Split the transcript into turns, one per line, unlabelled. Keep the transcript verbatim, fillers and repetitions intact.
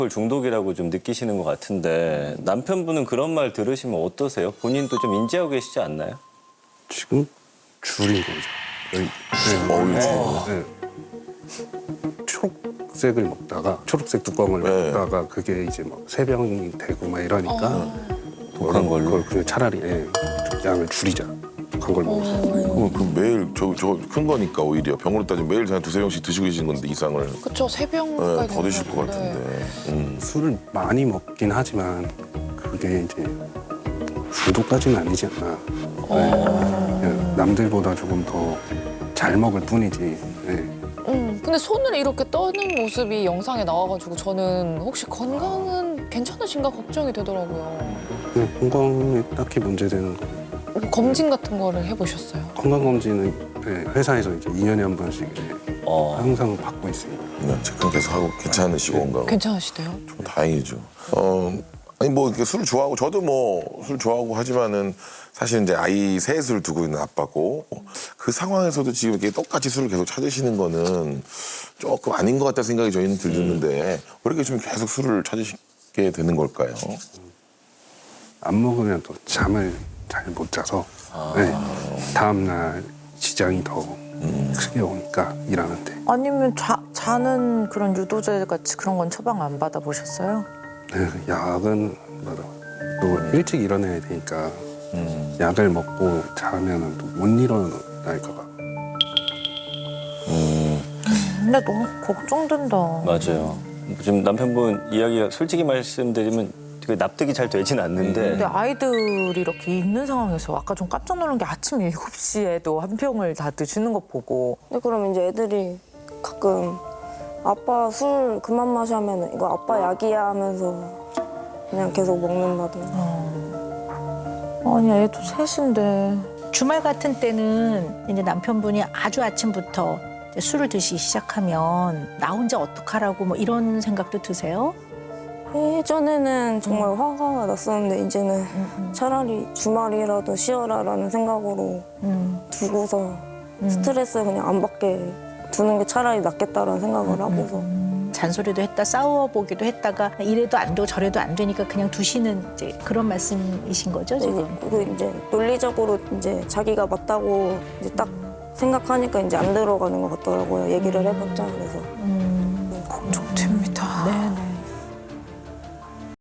알코올 중독이라고 좀 느끼시는 것 같은데 남편분은 그런 말 들으시면 어떠세요? 본인도 좀 인지하고 계시지 않나요?
지금 줄인 거죠. 여기, 네,
어우,
네. 초록색을 먹다가 초록색 뚜껑을
네.
먹다가 그게 이제 막 세 병이 되고 막 이러니까
독한 걸로?
그걸 그냥 차라리 예, 좀 양을 줄이자. 독한 걸 먹어서.
그럼 그 매일 저 저 큰 거니까 오히려 병으로 따지면 매일 그냥 두세 병씩 드시고 계신 건데 이상을
그쵸, 세
네,
병까지.
더 드실 것 같은데. 음.
술을 많이 먹긴 하지만 그게 이제 중독까지는 아니지 않나. 네. 그냥 남들보다 조금 더 잘 먹을 뿐이지. 네.
음, 근데 손을 이렇게 떠는 모습이 영상에 나와가지고 저는 혹시 건강은 괜찮으신가 걱정이 되더라고요.
그냥 건강에 딱히 문제되는 거.
뭐 검진 같은 거를 해보셨어요?
건강검진은 네, 회사에서 이제 이 년에 한 번씩 이제
어.
항상 받고 있으니까.
그냥 체크 계속 하고 괜찮으시고 건강.
괜찮으시대요?
다행이죠. 어, 아니 뭐 이렇게 술 좋아하고 저도 뭐 술 좋아하고 하지만은 사실 이제 아이 셋을 두고 있는 아빠고 그 상황에서도 지금 이렇게 똑같이 술을 계속 찾으시는 거는 조금 아닌 것 같다 생각이 저희는 들었는데 왜 이렇게 좀 계속 술을 찾으시게 되는 걸까요?
안 먹으면 또 잠을 잘 못 자서 네. 다음 날 지장이 더 크게 오니까 일하는데.
아니면 자, 자는 그런 유도제 같이 그런 건 처방 안 받아보셨어요?
네, 약은 맞아. 또 일찍 일어나야 되니까
음.
약을 먹고 자면 또 못 일어날까 봐.
근데 너무 걱정된다.
맞아요. 지금 남편분 이야기가 솔직히 말씀드리면 그 납득이 잘 되진 않는데
근데 아이들이 이렇게 있는 상황에서 아까 좀 깜짝 놀란 게 아침 일곱 시에도 한 병을 다 드시는 거 보고
근데 그럼 이제 애들이 가끔 아빠 술 그만 마시면 이거 아빠 약이야 하면서 그냥 계속 먹는다든가.
아니 애도 셋인데
주말 같은 때는 이제 남편분이 아주 아침부터 이제 술을 드시기 시작하면 나 혼자 어떡하라고 뭐 이런 생각도 드세요?
예전에는 정말 화가 났었는데 이제는 차라리 주말이라도 쉬어라라는 생각으로 두고서 스트레스 그냥 안 받게 두는 게 차라리 낫겠다라는 생각을 하고서
잔소리도 했다 싸워보기도 했다가 이래도 안 되고 저래도 안 되니까 그냥 두시는 이제 그런 말씀이신 거죠 지금?
그리고 이제 논리적으로 이제 자기가 맞다고 이제 딱 생각하니까 이제 안 들어가는 것 같더라고요. 얘기를 해봤자 그래서.
음.